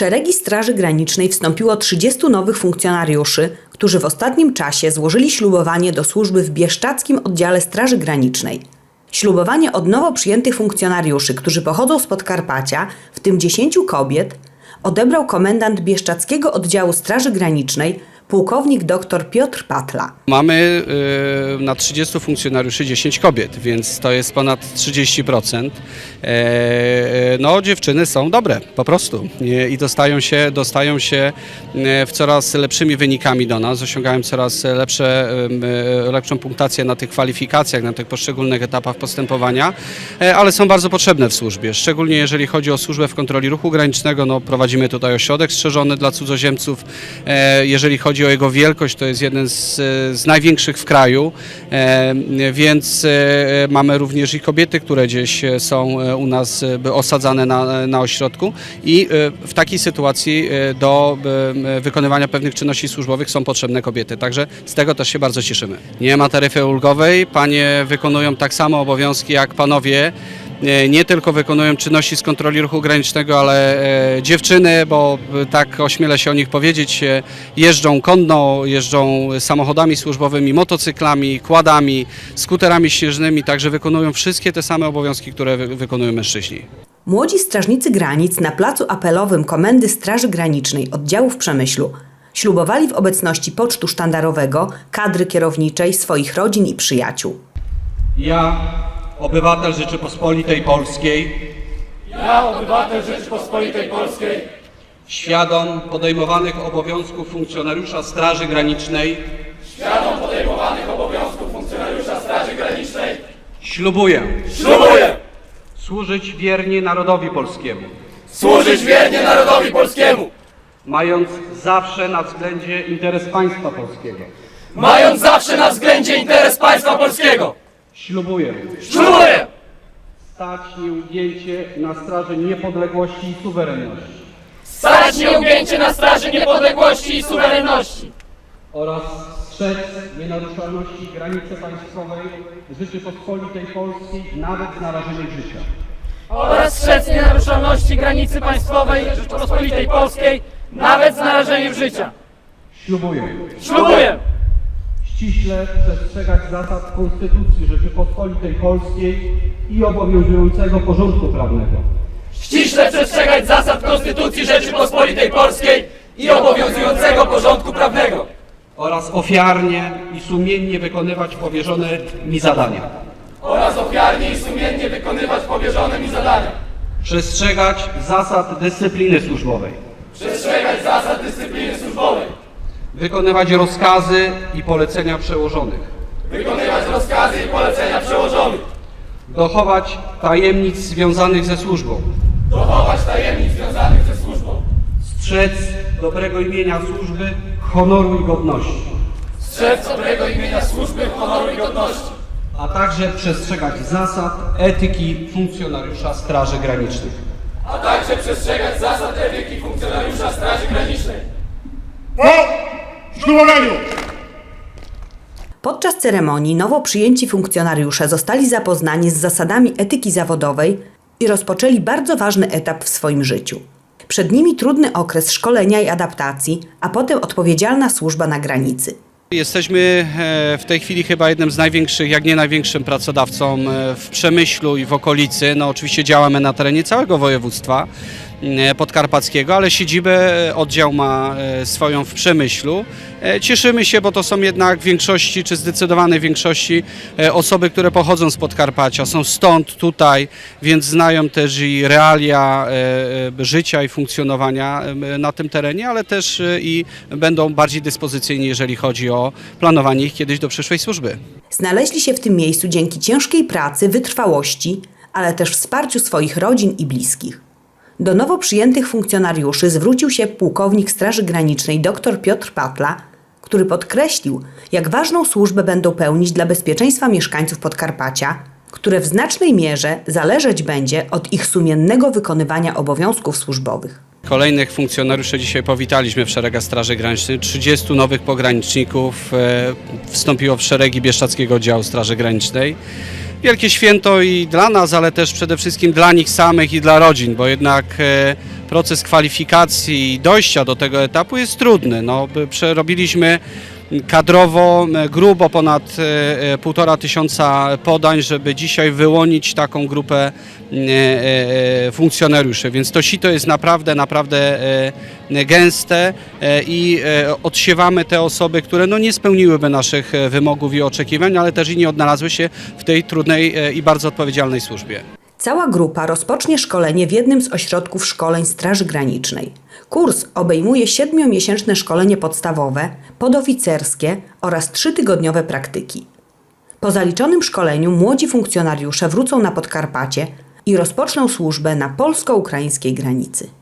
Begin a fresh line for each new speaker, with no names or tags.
szeregi Straży Granicznej wstąpiło 30 nowych funkcjonariuszy, którzy w ostatnim czasie złożyli ślubowanie do służby w bieszczadzkim oddziale Straży Granicznej. Ślubowanie od nowo przyjętych funkcjonariuszy, którzy pochodzą z Podkarpacia, w tym 10 kobiet, odebrał komendant bieszczadzkiego oddziału Straży Granicznej, pułkownik dr Piotr Patla.
Mamy na 30 funkcjonariuszy 10 kobiet, więc to jest ponad 30%. No, dziewczyny są dobre, po prostu. I dostają się w coraz lepszymi wynikami do nas, osiągają coraz lepszą punktację na tych kwalifikacjach, na tych poszczególnych etapach postępowania, ale są bardzo potrzebne w służbie, szczególnie jeżeli chodzi o służbę w kontroli ruchu granicznego. No, prowadzimy tutaj ośrodek strzeżony dla cudzoziemców. Jeżeli chodzi o jego wielkość, to jest jeden z największych w kraju, więc mamy również i kobiety, które gdzieś są u nas osadzane na ośrodku i w takiej sytuacji do wykonywania pewnych czynności służbowych są potrzebne kobiety, także z tego też się bardzo cieszymy. Nie ma taryfy ulgowej, panie wykonują tak samo obowiązki jak panowie. Nie tylko wykonują czynności z kontroli ruchu granicznego, ale dziewczyny, bo tak ośmielę się o nich powiedzieć, jeżdżą konno, jeżdżą samochodami służbowymi, motocyklami, quadami, skuterami śnieżnymi, także wykonują wszystkie te same obowiązki, które wykonują mężczyźni.
Młodzi strażnicy granic na placu apelowym Komendy Straży Granicznej oddziału w Przemyślu ślubowali w obecności pocztu sztandarowego, kadry kierowniczej, swoich rodzin i przyjaciół.
Ja, obywatel Rzeczypospolitej Polskiej, świadom podejmowanych obowiązków funkcjonariusza Straży Granicznej, ślubuję służyć wiernie narodowi polskiemu, mając zawsze na względzie interes państwa polskiego. Ślubuję stać nieugięcie na straży niepodległości i suwerenności oraz strzec nienaruszalności granicy państwowej Rzeczypospolitej Polskiej nawet z narażeniem życia. Ślubuję ściśle przestrzegać zasad Konstytucji Rzeczypospolitej Polskiej i obowiązującego porządku prawnego oraz ofiarnie i sumiennie wykonywać powierzone mi zadania. Przestrzegać zasad dyscypliny służbowej. Wykonywać rozkazy i polecenia przełożonych. Dochować tajemnic związanych ze służbą. Strzec dobrego imienia służby, honoru i godności. A także przestrzegać zasad etyki funkcjonariusza Straży Granicznej.
Po ślubowaniu!
Podczas ceremonii nowo przyjęci funkcjonariusze zostali zapoznani z zasadami etyki zawodowej i rozpoczęli bardzo ważny etap w swoim życiu. Przed nimi trudny okres szkolenia i adaptacji, a potem odpowiedzialna służba na granicy.
Jesteśmy w tej chwili chyba jednym z największych, jak nie największym pracodawcą w Przemyślu i w okolicy. No, oczywiście działamy na terenie całego województwa podkarpackiego, ale siedzibę oddział ma swoją w Przemyślu. Cieszymy się, bo to są jednak w większości, czy zdecydowanej większości osoby, które pochodzą z Podkarpacia, są stąd, tutaj, więc znają też i realia życia i funkcjonowania na tym terenie, ale też i będą bardziej dyspozycyjni, jeżeli chodzi o planowanie ich kiedyś do przyszłej służby.
Znaleźli się w tym miejscu dzięki ciężkiej pracy, wytrwałości, ale też wsparciu swoich rodzin i bliskich. Do nowo przyjętych funkcjonariuszy zwrócił się pułkownik Straży Granicznej dr Piotr Patla, który podkreślił, jak ważną służbę będą pełnić dla bezpieczeństwa mieszkańców Podkarpacia, które w znacznej mierze zależeć będzie od ich sumiennego wykonywania obowiązków służbowych.
Kolejnych funkcjonariuszy dzisiaj powitaliśmy w szeregach Straży Granicznej. 30 nowych pograniczników wstąpiło w szeregi Bieszczadzkiego Oddziału Straży Granicznej. wielkie święto i dla nas, ale też przede wszystkim dla nich samych i dla rodzin, bo jednak proces kwalifikacji i dojścia do tego etapu jest trudny. No, przerobiliśmy kadrowo grubo ponad 1500 podań, żeby dzisiaj wyłonić taką grupę funkcjonariuszy, więc to sito jest naprawdę gęste i odsiewamy te osoby, które no nie spełniłyby naszych wymogów i oczekiwań, ale też i nie odnalazły się w tej trudnej i bardzo odpowiedzialnej służbie.
Cała grupa rozpocznie szkolenie w jednym z ośrodków szkoleń Straży Granicznej. Kurs obejmuje 7-miesięczne szkolenie podstawowe, podoficerskie oraz 3-tygodniowe praktyki. Po zaliczonym szkoleniu młodzi funkcjonariusze wrócą na Podkarpacie i rozpoczną służbę na polsko-ukraińskiej granicy.